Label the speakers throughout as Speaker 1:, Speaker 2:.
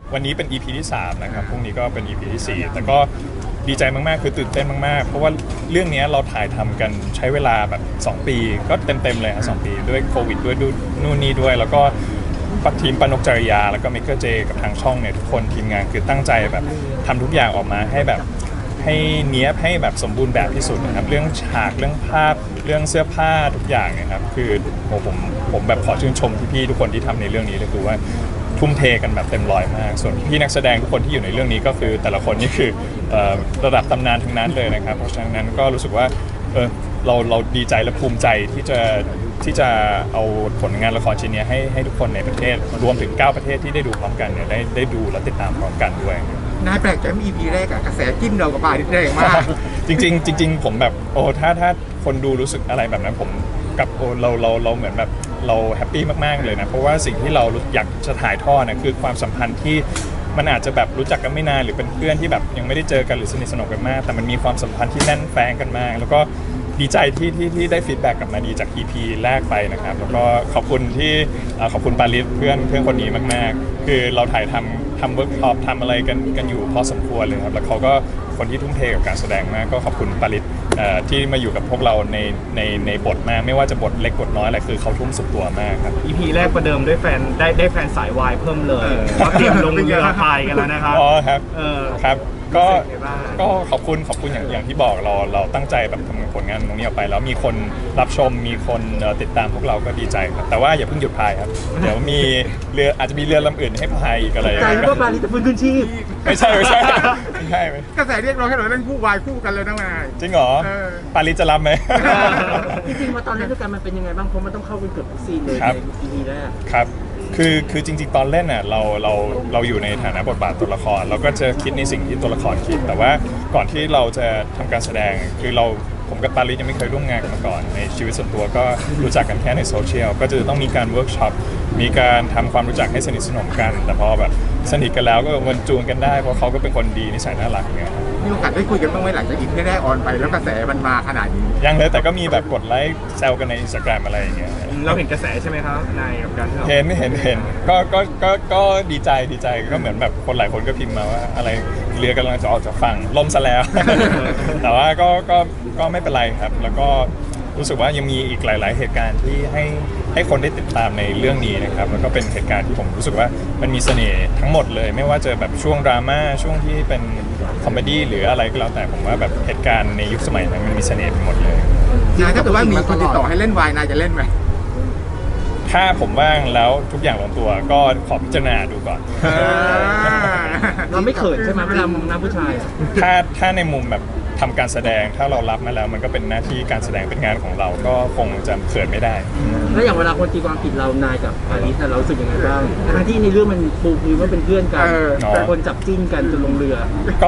Speaker 1: วันนี้เป็น EP ที่3นะครับพรุ่งนี้ก็เป็น EP ที่4แต่ก็ดีใจมากๆคือตื่นเต้นมากๆเพราะว่าเรื่องนี้เราถ่ายทำกันใช้เวลาแบบ2ปีก็เต็มๆเลยครับ2ปีด้วยโควิดด้วยนู่นนี่ด้วยแล้วก็ทีมปนกจริยาแล้วก็เมกเกอร์เจกับทางช่องเนี่ยทุกคนทีมงานคือตั้งใจแบบทำทุกอย่างออกมาให้แบบให้เนี้ยบให้แบบสมบูรณ์แบบที่สุดนะครับเรื่องฉากเรื่องภาพเรื่องเสื้อผ้าทุกอย่างนะครับคือผมแบบขอชื่นชมพี่ๆทุกคนที่ทำในเรื่องนี้เลยคือว่าทุ่มเทกันแบบเต็มร้อยมากส่วนพี่นักแสดงทุกคนที่อยู่ในเรื่องนี้ก็คือแต่ละคนนี่คือระดับตำนานทั้งนั้นเลยนะครับเพราะฉะนั้นก็รู้สึกว่าเราดีใจและภูมิใจที่จะเอาผลงานละครชิ้นนี้ให้ทุกคนในประเทศรวมถึง9ประเทศที่ได้ดูพร้อมกันเนี่ยได้ดูและติดตามพร้อมกันด้วย
Speaker 2: นายแปลกใจมี EP แรกอะกระแสจิ้นเรากับปาริสแรงมาก
Speaker 1: จริงผมแบบถ้าคนดูรู้สึกอะไรแบบนั้นผมกับเราเหมือนแบบเราแฮปปี้มากๆเลยนะเพราะว่าสิ่งที่เราอยากจะถ่ายทอดนะคือความสัมพันธ์ที่มันอาจจะแบบรู้จักกันไม่นานหรือเป็นเพื่อนที่แบบยังไม่ได้เจอกันหรือสนิทสนมกันมากแต่มันมีความสัมพันธ์ที่แน่นแฟ้งกันมากแล้วก็ดีใจที่ได้ฟีดแบ็กกลับมาดีจาก EP แรกไปนะครับแล้วก็ขอบคุณปาริสเพื่อนคนนี้มากๆคือเราถ่ายทำเวิร์กช็อปทำอะไรกันอยู่พอสมควรเลยครับแล้วเขาก็คนที่ทุ่มเทกับการแสดงมากก็ขอบคุณปาริสที่มาอยู่กับพวกเราในบทมากไม่ว่าจะบทเล็กบทน้อยอะไรคือเขาทุ่มสุดตัวมากครับ
Speaker 3: EP แรกประเดิมด้วยแฟนได้แฟนสายวายเพิ่มเลยเขาเตรียมลงเรือพายกันแล้วนะครับ
Speaker 1: อ๋อครับครับก็
Speaker 3: รู้สึกไงบ้าง
Speaker 1: ก็ขอบคุณอย่างที่บอกเราตั้งใจแบบทำผลงานตรงนี้ออกไปแล้วมีคนรับชมมีคนติดตามพวกเราก็ดีใจครับแต่ว่าอย่าเพิ่งหยุดพายครับเดี๋ยวมีเรืออาจจะมีเรือลำอื่นให้พายอีกอะไรอย่าง
Speaker 4: ใจ
Speaker 1: เงี้ย
Speaker 4: ว่าปาริสจะฟื้นคืนชีพ
Speaker 1: ไม่ใช่ไม่ใช่
Speaker 2: กระแสเรียกร้องให้เราเล่นคู่วายคู่กันเลยนะนาย
Speaker 1: จริงเหรอปาริสจะรับไหม
Speaker 4: จริงๆมาตอนเล่นด้วยกันมันเป็นยังไงบ้างเพราะมันต้องเข้ากันเกือบทุกซีนเลย
Speaker 1: ครับ
Speaker 4: ใน EP แรก
Speaker 1: ครับคือจริงๆตอนเล่นน่ะเราอยู่ในฐานะบทบาทตัวละครเราก็จะคิดในสิ่งที่ตัวละครคิดแต่ว่าก่อนที่เราจะทำการแสดงคือผมกับปาริสยังไม่เคยร่วมงานกันมาก่อนในชีวิตส่วนตัวก็รู้จักกันแค่ในโซเชียลก็จะต้องมีการเวิร์กช็อปมีการทำความรู้จักให้สนิทสนมกันแต่พอแบบสนิทกันแล้วก็มันจูนกันได้เพราะเขาก็เป็นคนดีนิสัยน่ารักเนี่ย
Speaker 2: มีโอกาสได้คุยกันบ้างไหมหลังจาก EP แรกออนไปแล้วกระแสมันมาขนาดนี้
Speaker 1: ยังเลยแต่ก็มีแบบกดไลค์แซวกันใน Instagram อะไรอย่างเงี้ย
Speaker 3: เราเห็นกระแสใช่ไหมครับนายกับการที่เรา
Speaker 1: เห็นก็ดีใจก็เหมือนแบบคนหลายคนก็พิมพ์มาว่าอะไรเรือกำลังจะออกจากฝั่งล่มซะแล้ว แต่ว่าก็ไม่เป็นไรครับแล้วก็รู้สึกว่ายังมีอีกหลาย ๆ เหตุการณ์ที่ให้คนได้ติดตามในเรื่องนี้นะครับแล้วก็เป็นเหตุการณ์ที่ผมรู้สึกว่ามันมีเสน่ห์ทั้งหมดเลยไม่ว่าจะแบบช่วงดราม่าช่วงที่เป็นคอมเมดี้หรืออะไรก็แล้วแต่ผมว่าแบบเหตุการณ์ในยุคสมัยนั้นมันมีเสน่ห์ไปหมดเลย
Speaker 2: นายถ้าเกิดว่ามีคนติดต่อให้เล่นวายนายจะเล่นไหม
Speaker 1: ถ้าผมว่างแล้วทุกอย่างลงตัวก็ขอพิจารณาดูก่อน
Speaker 4: เราไม่เขินใช่ไหมเวลามองหน้าผู้ชายอะ
Speaker 1: ถ้าในมุมแบบทำการแสดงถ้าเรารับมาแล้วมันก็เป็นหน้าที่การแสดงเป็นงานของเราก็คงจะเขินไม่ได้
Speaker 4: แล้วอย่างเวลาคนตีความผิดเรานายกับปาริสเรารู้สึกยังไงบ้างทั้งที่ในเรื่องมันปูพื้นว่าเป็นเพื่อนกันแต่คนจับจิ้นกันจนลงเรือ
Speaker 1: ก็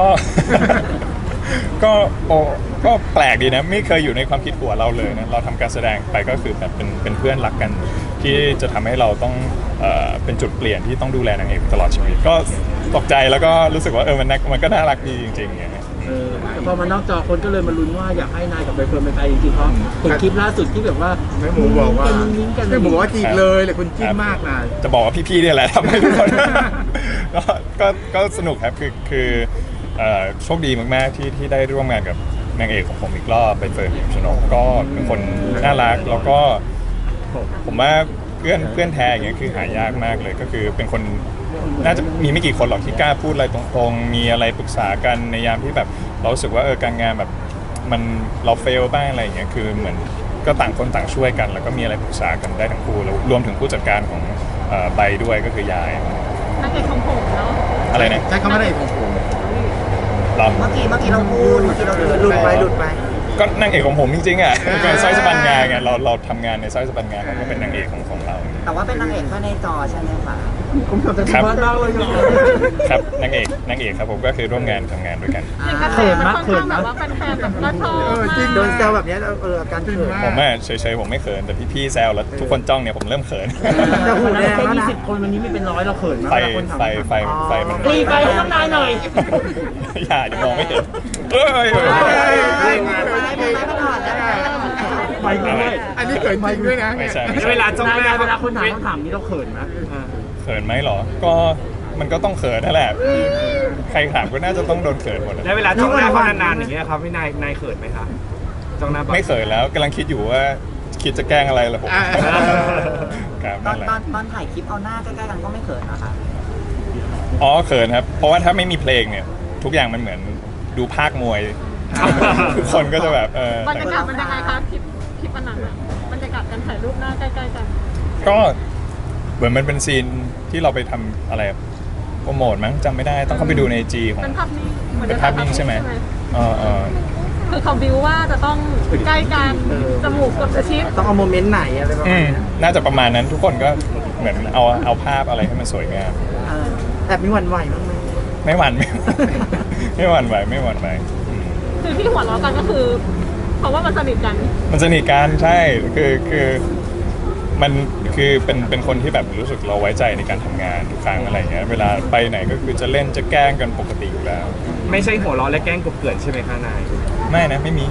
Speaker 1: ก็แปลกดีนะไม่เคยอยู่ในความคิดหัวเราเลยนะเราทำการแสดงไปก็คือแบบเป็นเพื่อนรักกัน ที่จะทำให้เราต้องเป็นจุดเปลี่ยนที่ต้องดูแลนางเอกตลอดชีวิตก็ตกใจแล้วก็รู้สึกว่ามันก็น่ารักดีจริงๆอย่างเงี้ย
Speaker 4: แต่พอมานอกจอคนก็เลยมาลุ้นว่าอยากให้นายกับใบเฟิร์นเป็นไปจริงๆเพราะเห็นคลิปล่าสุดที่แบบว่า
Speaker 2: แม่หมูบอกว่า
Speaker 4: มิ้งกัน
Speaker 2: แม่หมูบอกว่าจีบเลยเลยคุณจิ้นมากนาย
Speaker 1: จะบอกว่าพี่ๆเนี่ยแหละทำให้ทุกคน ก็สนุกครับคือโชคดีมากๆที่ได้ร่วมงานกับนางเอกของผมอีกรอบใบเฟิร์นพิมชนกก็เป็นคนน่ารักแล้วก็ผมว่าเพื่อนแท้อย่างเงี้ยคือหายากมากเลยก็คือเป็นคนน่าจะมีไม่กี่คนหรอกที่กล้าพูดอะไรตรงๆมีอะไรปรึกษากันในยามที่แบบเรารู้สึกว่าการงานแบบมันเราเฟลบ้างอะไรอย่างเงี้ยคือเหมือนก็ต่างคนต่างช่วยกัน แล้วก็มีอะไรปรึกษากันได้ทั้งคู่แล้วรวมถึงผู้จัดการของใบด้วยก็คือยาย
Speaker 5: นางเอกของผมเนาะ
Speaker 1: อะไรนะ
Speaker 2: ใช้คำว่าอะไรของผม
Speaker 1: เรา
Speaker 6: เมื่อกี้เราพูดหลุดไป
Speaker 1: ก็นางเอกของผมจริงๆอ่ะเป็นสร้อยสะบันงาไงเราทำงานในสร้อยสะบันงาเขาก็เป็นนางเอกของเรา
Speaker 6: แต่ว่าเป็นนางเอกแค่ในจอใช่ไหมคะ
Speaker 4: ผมทำแต่ที่บ้านเราเลยยัง
Speaker 1: ครับนางเอกครับผมก็คือร่วมงานทำงานด้วยกัน
Speaker 5: อย่างกระแสมันค่อนข้างแบบว่าแฟนๆแบบก็ชอบมาก
Speaker 6: โดนแซวแบบนี้อาการเขิน
Speaker 1: ผมเฉยๆผมไม่เขินแต่พี่ๆแซวแล้วทุกคนจ้องเนี่ยผมเริ่มเขิน
Speaker 4: แต่วันนั้นแค่20 คนวันนี้มีเป็นร้อยเราเขินมาก
Speaker 1: ไฟ
Speaker 4: เวลาคนถาม
Speaker 1: ไฟมัน
Speaker 4: ตีไฟให้น้องนายหน่อย
Speaker 1: อย่าเดี๋ยวมองไม่เห็นเอ้ย
Speaker 4: ไปด้วย
Speaker 2: อันนี้เกิดจริงด้วยนะ
Speaker 1: ไม่ใช่
Speaker 3: เวลาจ้องหน้า
Speaker 4: เวลาคนถามคำถามนี้เราเขินไหม
Speaker 1: เขินไหมเหรอก็มันก็ต้องเขินนั่นแหละใครถามก็น่าจะต้องโดนเขินหมด
Speaker 3: แล้วเวลาจ้องหน้าเขานานๆอย่างเงี้ยครับพี่นายเขินไหมครับจ้องหน้า
Speaker 1: ไม่เขินแล้วกำลังคิดอยู่ว่าคิดจะแกล้งอะไรล่ะผมครับ
Speaker 6: ตอ
Speaker 1: นั่
Speaker 6: น
Speaker 1: นแหละ
Speaker 6: ตอนถ่ายคลิปเอาหน้าใกล้ๆกันก็ไม่เขินนะคะ
Speaker 1: อ๋อเขินครับเพราะว่าถ้าไม่มีเพลงเนี่ยทุกอย่างมันเหมือนดูภาคมวยทุกคนก็จะแบบ
Speaker 5: บรรยากาศมันยังไงคะคลิปอันนั้นอะบรรยากาศการถ่ายรูปหน้าใกล้ๆกัน
Speaker 1: ก็เหมือนมันเป็นซีนที่เราไปทำอะไรโปรโมทมั้งจำไม่ได้ต้องเข้าไปดูในจีของ
Speaker 5: เป็นภาพนิ่งหมือ
Speaker 1: เป็นภาพนิ่งใช่ไหมเออ
Speaker 5: คือเขาบิวว่าจะต้องใกล้กันจมูกกดกระชิด
Speaker 6: ต้องเอาโมเมนต์ไหนอะไรประมาณนี้
Speaker 1: น่าจะประมาณนั้นทุกคนก็เหมือนเอาภาพอะไรให้มันสวยงาม
Speaker 6: แอบมีหวั่นไหวบ้างไหม
Speaker 1: ไม่หวั่นไม่หวั่นไหวไม่หวั่นไหวอืม
Speaker 5: คือที่หัวเราะกันก็คือ เพราะว่ามันสนิทกัน
Speaker 1: มันสนิทกันใช่คือมันคือเป็นคนที่แบบรู้สึกเราไว้ใจในการทำงานทุกครั้งอะไรเงี้ยเวลาไปไหนก็คือจะเล่นจะแกล้งกันปกติอยู่แล้ว
Speaker 3: ไม่ใช่หัวเราะและแกล้งกบเกลื่อนใช่ไหมคะนาย
Speaker 1: ไม่นะไม่มี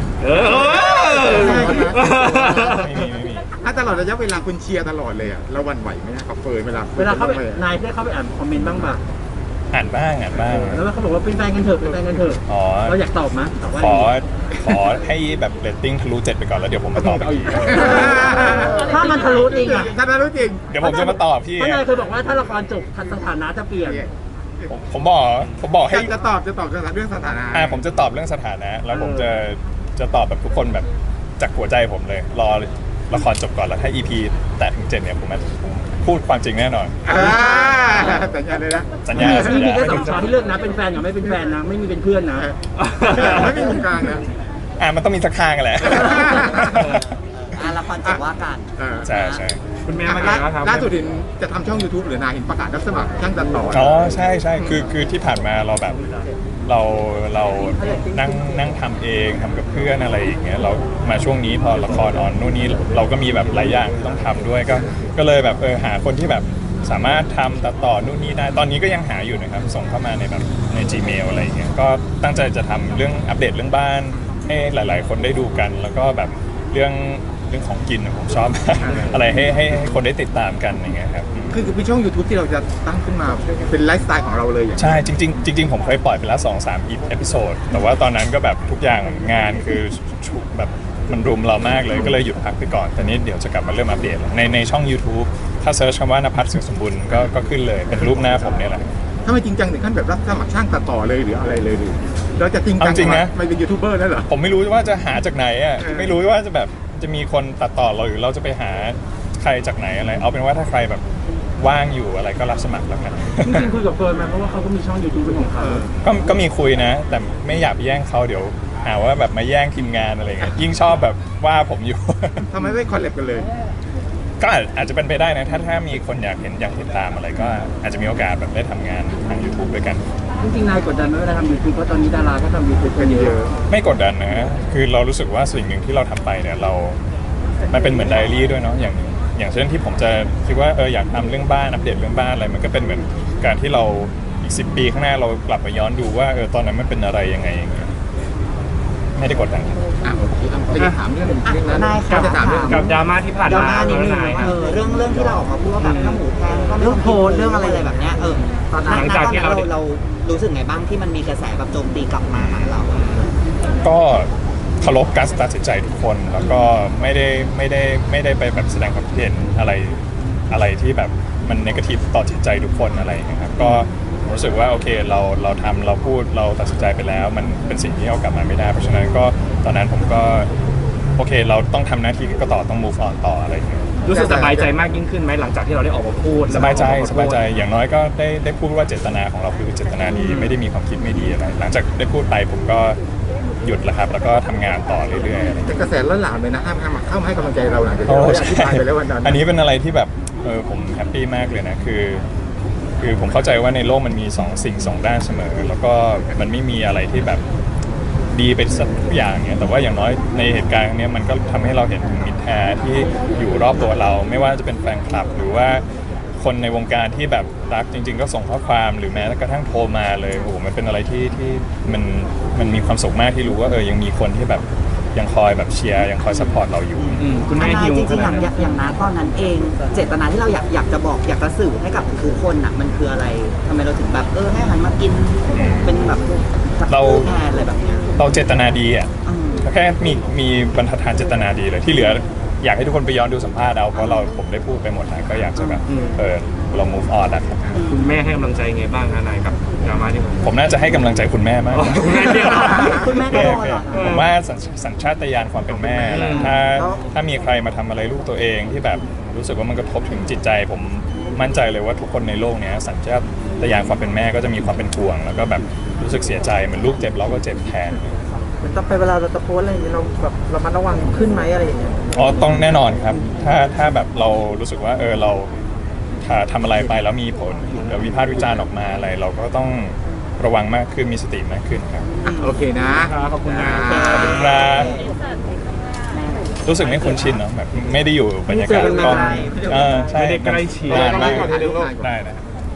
Speaker 1: ไม่มี
Speaker 2: ถ้าตลอดระยะเวลาคุณเชียร์ตลอดเลยอ่ะเราหวั่นไหวไหมนะกับเฟิร์นเวลา
Speaker 4: เวลาเขาไปนายได้เข้าไปอ่านคอมเมนต์บ้างป่ะ
Speaker 1: อ่านบ้าง
Speaker 4: แล้วเขาบอกว่าเป็นแฟนกันเถอะเป็นแฟนกันเถอะ
Speaker 1: อ๋อ
Speaker 4: เราอยากตอบมั้ยตอบว่า
Speaker 1: ขอให้แบบเรตติ้งทะลุ7ไปก่อนแล้วเดี๋ยวผมมาตอบอีกที
Speaker 4: ถ้ามันทะลุจริงอ่ะ
Speaker 2: ถ้ารู้จริง
Speaker 1: เดี๋ยวผมจะมาตอบพี่
Speaker 4: เพราะนายเคยบอกว่าถ้าละครจบสถานะจะเปลี่ยน
Speaker 1: ผมบอกให้
Speaker 2: จะตอบเรื่องสถานะ
Speaker 1: ผมจะตอบเรื่องสถานะ แล้วผมจะตอบแบบทุกคนแบบจากหัวใจผมเลย รอละครจบก่อนแล้วถ้า EP แตะถึง7เนี่ยผมพูดความจริงแน่นอน
Speaker 2: สัญญาเลยนะ
Speaker 1: สัญญา
Speaker 4: มีแค่2ช้อยที่เลือกนะเป็นแฟนกับไม่เป็นแฟนนะไม่มีเป็นเพื่อนนะ
Speaker 2: ไม่มีตรงกลางนะ
Speaker 1: มันต้องมีสักข้างกันแหละ
Speaker 6: ละครจบว่ากัน
Speaker 1: ใช่
Speaker 3: คุณแม่มาไงบ้างครับ
Speaker 2: ล่าสุดเห็นจะทำช่อง YouTube หรือนายเห็นประกาศรับสมัครช่างตัดต่อ
Speaker 1: อ๋อใช่คือที่ผ่านมาเราแบบเรานั่งทำเองทำกับเพื่อนอะไรอย่างเงี้ยเรามาช่วงนี้พอละครออนนู่นนี่เราก็มีแบบหลายอย่างที่ต้องทำด้วยก็เลยแบบหาคนที่แบบสามารถทำตัดต่อนู่นนี่ได้ตอนนี้ก็ยังหาอยู่นะครับส่งเข้ามาในแบบใน Gmail อะไรอย่างเงี้ยก็ตั้งใจจะทำเรื่องอัปเดตเรื่องบ้านให้หลาย ๆ คนได้ดูกัน แล้วก็แบบเรื่องของกินผมชอบ อะไรให้คนได้ติดตามกันอย่างเงี้ยครับ
Speaker 2: คือเป็นช่อง YouTube ที่เราจะตั้งขึ้นมาเป็นไลฟ์สไตล์ของเราเลยอย่าง
Speaker 1: ใช่จริงๆผมเคยปล่อยไปแล้ว 2-3 เอพิโซดแต่ว่าตอนนั้นก็แบบทุกอย่างงานคือแบบมันรุมเรามากเลยก็เลยหยุดพักไปก่อนแต่นี้เดี๋ยวจะกลับมาเริ่มอัปเดตในช่อง YouTube ถ้าเซิร์ชคำว่านภัสเสียงสมบูรณ์ก็ขึ้นเลยเป็นรูปหน้าผมเนี่ยแหละ
Speaker 2: ถ้าไม่จริงจังถึงขั้นแบบรับสมัครช่างตัดต่อเลยหรืออะไรเลยหรือเราจะจริงจัง
Speaker 1: เอาจริงนะ
Speaker 2: ไม่เป็นยูทูบเบอร์นั่นเหรอ
Speaker 1: ผมไม่รู้ว่าจะหาจากไหนอ่ะไม่รู้ว่าจะแบบจะมีคนตัดต่อเราหรือเราจะไปหาใครจากไหนอะไรเอาเป็นว่าถ้าใครแบบว่างอยู่อะไรก็รับสมัครแล้วกัน
Speaker 4: จริงๆคุยกับเฟิร์นมาเพราะว่าเขาก็มีช่อง YouTube เป็นของเขา
Speaker 1: ก็มีคุยนะ แต่ไม่อยากไปแย่งเขาเดี๋ยวหาว่าแบบมาแย่งทีมงานอะไรเงี้ยยิ่งชอบแบบว่าผมอยู่
Speaker 2: ทำไมไม่คอลแลบกันเลย
Speaker 1: ก็อาจจะเป็นไปได้นะถ้ามีคนอยากติดตามอะไรก็อาจจะมีโอกาสแบบได้ทำงานทาง YouTube ด้วยกัน
Speaker 4: จริงๆนายกดดันไหมเวลาทำ YouTube เพราะตอนนี้ดาราก็ทำ YouTube กันเยอะ
Speaker 1: ไม่กดดันนะคือเรารู้สึกว่าสิ่งหนึ่งที่เราทำไปเนี่ยมันเป็นเหมือนไดอารี่ด้วยเนาะอย่างเช่นที่ผมจะคิดว่าอยากทำเรื่องบ้านอัปเดตเรื่องบ้านอะไรมันก็เป็นเหมือนการที่เราอีก10 ปีข้างหน้าเรากลับมาย้อนดูว่าตอนนั้นมันเป็นอะไรยังไงอย่างเงี้ยไม่ได้กดดัน
Speaker 2: โอเคจะถามเรื่องนั้น
Speaker 6: นายค่ะ
Speaker 2: จะถามเรื่อง
Speaker 3: กับดราม่าที่ผ่าน
Speaker 6: ดรา
Speaker 3: มา
Speaker 6: ม่านิดนึง
Speaker 3: นายครับ
Speaker 6: เรื่องที่เราออกมาพูดว่าแบบน้ำหมูแพงเรื่องโพสเรื่องอะไรแบบเนี้ยตอนนั้น
Speaker 3: หลังจากที่เรา
Speaker 6: เรารู้สึกไงบ้างที่มันมีกระแสแบบโจมตีกลับมาหาเรา
Speaker 1: ก็เคารพการตัดสินใจทุกคนแล้วก็ไม่ได้ไปแบบแสดงความคิดเห็นอะไรที่แบบมันเนกาทีฟต่อจิตใจทุกคนอะไรอย่างเงี้ยครับก็รู้สึกว่าโอเคเราทำเราพูดเราตัดสินใจไปแล้วมันเป็นสิ่งที่เอากลับมาไม่ได้เพราะฉะนั้นก็ตอนนั้นผมก็โอเคเราต้องทำหน้าที่ก็ต่อต้อง move on ต่ออะไรอย่างเงี้ย
Speaker 3: รู้สึกสบายใจมากยิ่งขึ้นไหมหลังจากที่เราได้ออกมาพูด
Speaker 1: สบายใจอย่างน้อยก็ได้พูดว่าเจตนาของเราคือเจตนาดีไม่ได้มีความคิดไม่ดีอะไรหลังจากได้พูดไปผมก็หยุดแล้วครับแล้วก็ทำงานต่อเรื่อยๆอะไรอย่างเงี้ย
Speaker 2: เป็นกระแสล้นหลามเลยนะเข้ามาให้กำลังใจเราหลังจากที่
Speaker 1: โอ้
Speaker 2: เรา
Speaker 1: ใช่
Speaker 2: อธิบายไปแล้ววันนั้น
Speaker 1: อันนี้เป็นอะไรที่แบบผมแฮปปี้มากเลยนะคือผมเข้าใจว่าในโลกมันมีสิ่งสองด้านเสมอ แล้วก็มันไม่มีอะไรที่แบบดีไปสักทุกอย่างเนี่ยแต่ว่าอย่างน้อยในเหตุการณ์เนี้ยมันก็ทำให้เราเห็นถึงมิตรแท้ที่อยู่รอบตัวเรา ไม่ว่าจะเป็นแฟนคลับ หรือว่าคนในวงการที่แบบรักจริง ๆ ก็ส่งข้อความหรือแม้กระทั่งโทรมาเลยโอ้โหมันเป็นอะไรที่มันมีความสุขมากที่รู้ว่ายังมีคนที่แบบยังคอยแบบเชียร์ยังคอยซัพพอร์ตเราอยู่
Speaker 3: คุณแม่
Speaker 6: นาย
Speaker 3: ฮิว
Speaker 6: จ
Speaker 3: ข
Speaker 6: ริงๆ
Speaker 3: นาดนั้น
Speaker 6: อย่างนั้นตอนนั้นเอง เจตนาที่เราอยากจะบอกอยากจะสื่อให้กับทุกคนอ่ะมันคืออะไรทำไมเราถึงแบบให้หันมากินเป็นแบบ
Speaker 1: เรา
Speaker 6: แทนอะไรแบบเนี้ย
Speaker 1: เราเจตนาดีอ่ะ
Speaker 6: อืม
Speaker 1: แค่มีบรรทัดฐานเจตนาดีเลยที่เหลืออยากให้ทุกคนไปย้อนดูสัมภาษณ์เอาเพราะผมได้พูดไปหมดแล้วก็อยากจะแบบเรา move on แล้วครับ
Speaker 3: คุณแม่ให้กำลังใจไงบ้างนายกับดราม่าที่ผม
Speaker 1: ผมน่าจะให้กำลังใจคุณแม่มาก
Speaker 3: คุณแม่เนี่ย
Speaker 6: คุณแม่ก็โดนเหรอ
Speaker 1: ผมว่าสัญชาตญาณความเป็นแม่แหละถ้ามีใครมาทำอะไรลูกตัวเองที่แบบรู้สึกว่ามันกระทบถึงจิตใจ ผมมั่นใจเลยว่าทุกคนในโลกเนี้ยสัญชาตญาณความเป็นแม่ก็จะมีความเป็นห่วง แล้วก็แบบรู้สึกเสียใจเหมือนลูกเจ็บเราก็เจ็บแทน
Speaker 6: มันต้องไปเวลาเราจะโพสอะไรอย่างเงี้ยเราแบบเรามันระวังขึ้นไหมอะไรอย่างเงี้ย
Speaker 1: อ๋อต้องแน่นอนครับถ้าแบบเรารู้สึกว่าเราถ้าทำอะไรไปแล้วมีผลหรือวิพากษ์วิจารณ์ออกมาอะไร เราก็ต้องระวังมากขึ้นมีสติมากขึ้นครับ
Speaker 2: โอเคนะ
Speaker 3: ขอบคุณนะ
Speaker 1: ขอบคุณครับรู้สึกไม่คุ้นชินเนาะแบบไม่ได้อยู่บรรยากาศกล้องใช่
Speaker 3: ไม่ได้ใกล้ชิด
Speaker 1: นานมาก
Speaker 2: ถ่ายรูปก่อน
Speaker 1: ได้นะ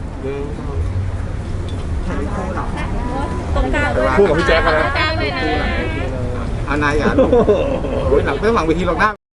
Speaker 5: ตรงกลาง
Speaker 2: คู่กับพี่แจ๊คกัน
Speaker 5: ต
Speaker 2: แล้
Speaker 5: ร
Speaker 2: ว
Speaker 5: งกลางเลยนะ
Speaker 2: นายอย่าหลังไม่ต้องหลังเวทีหรอกหน้า